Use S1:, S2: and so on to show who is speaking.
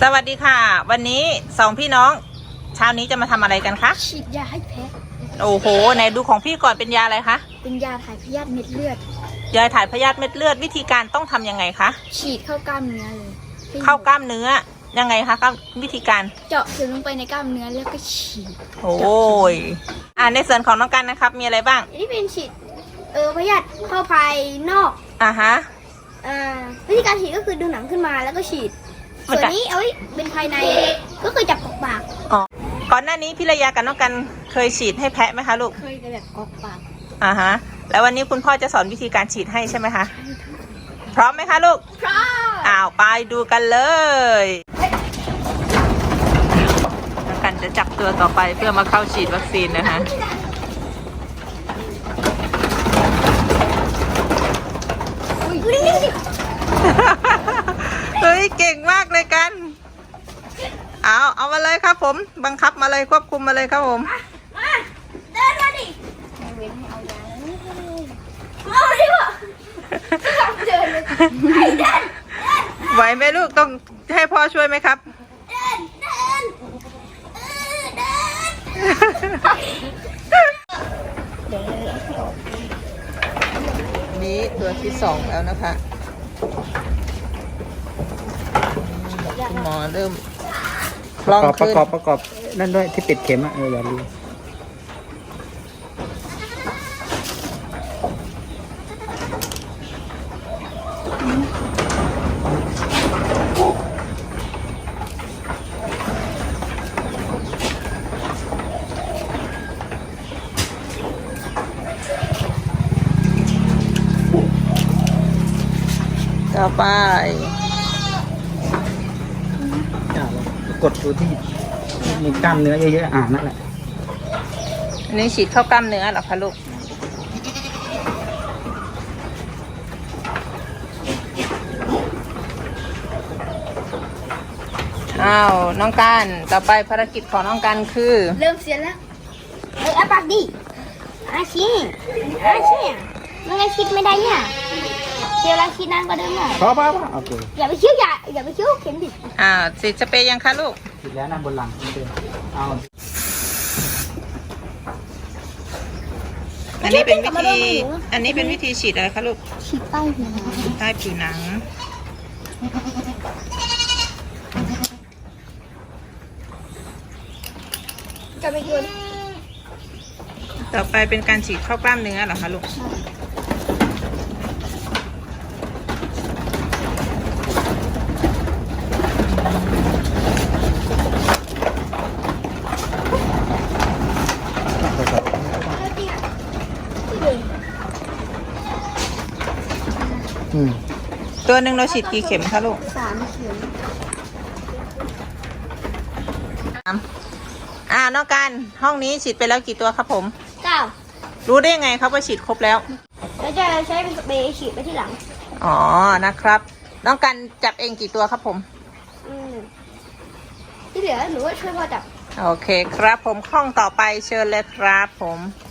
S1: วัสดีค่ะวันนี้สองพี่น้องเช้านี้จะมาทำอะไรกันคะ
S2: ฉีดยาให้แพะ
S1: โอ้โหไหนดูของพี่ก่อนเป็นยาอะไรคะ
S2: เป็นยาถ่ายพยาธิเม็ดเลือด
S1: ยาถ่ายพยาธิเม็ดเลือดวิธีการต้องทำยังไงคะ
S2: ฉีดเข้ากล้ามเนื้อเลย
S1: เข้ากล้ามเนื้อยังไงคะวิธีการ
S2: เจาะถึงลงไปในกล้ามเนื้อแล้วก็ฉีด
S1: โอ้ยในส่วนของน้องกันนะครับมีอะไรบ้าง
S2: นี่เป็นฉีดพยาธิเข้าภายนอก
S1: ฮะ
S2: วิธีการฉีดก็คือดึงหนังขึ้นมาแล้วก็ฉีดส่วนนี้เอาไว้เป็นภายในก็คือจับกอกปาก
S1: ก่อนหน้านี้พี่ระยากับน้องกันเคยฉีดให้แพะไหมคะลูก
S2: เคยแบบกอกปาก
S1: แล้ววันนี้คุณพ่อจะสอนวิธีการฉีดให้ใช่ไหมคะพร้อมไหมคะลูก
S2: พร้อม
S1: ไปดูกันเลยน้องกันจะจับตัวต่อไปเพื่อมาเข้าฉีดวัคซีนนะคะเฮ้ยเก่งมากเลยกันเอามาเลยครับผมบังคับมาเลยควบคุมมาเลยครับผม
S2: มาเดินมาดิเว้นให้เอายาเอาดิวะเดินเลยเดิน
S1: ไหวไหมลูกต้องให้พ่อช่วยไหมครับ
S2: เดิน
S1: นี่ตัวที่2แล้วนะคะคุณหมอเริ่มลอง
S3: ประกอบนั่นด้วยที่ปิดเข็มอย่าลืม
S1: ต่อไป
S3: กดดูที่มีกล้ามเนื้อเยอะๆนั่นแหละ
S1: อันนี้ฉีดเข้ากล้ามเนื้อเหรอคะลูกน้องกันต่อไปภารกิจของน้องกันคือ
S2: เริ่มเสียแล้วอาปากดิชี้มันไงคิดไม่ได้เนี่ยเชียวแล้วคิดนานกว่าเดิมหน่อย
S3: พอโอเค
S2: อย่าไปคิ้วอย่าไปคิ้วเข็มดิ
S1: ฉีดสเปรย์ยังคะลูก
S3: ฉีดแล้วนะบนหลัง
S1: อันนี้เป็นวิธีฉีดอะไรคะลูก
S2: ฉีดใต้ผิวหนัง
S1: ใต้ผิวหนัง
S2: จะไปกิน
S1: ต่อไปเป็นการฉีดเข้ากล้ามเนื้อเหรอคะลูกตัวหนึ่งเราฉีดกี่เข็มคะลูก
S2: 3 เข็ม
S1: น้องกันห้องนี้ฉีดไปแล้วกี่ตัวครับผม
S2: 9
S1: รู้ได้ยังไงครับว่าฉีดครบแล้ว
S2: แล้วจะใช้เป็นสเปรย์ฉีดไปที่หลัง
S1: นะครับน้องกันจับเองกี่ตัวครับผม
S2: ที่เหลือหนูว่าช่วยพ่อจับ
S1: โอเคครับผมห้องต่อไปเชิญเลยครับผม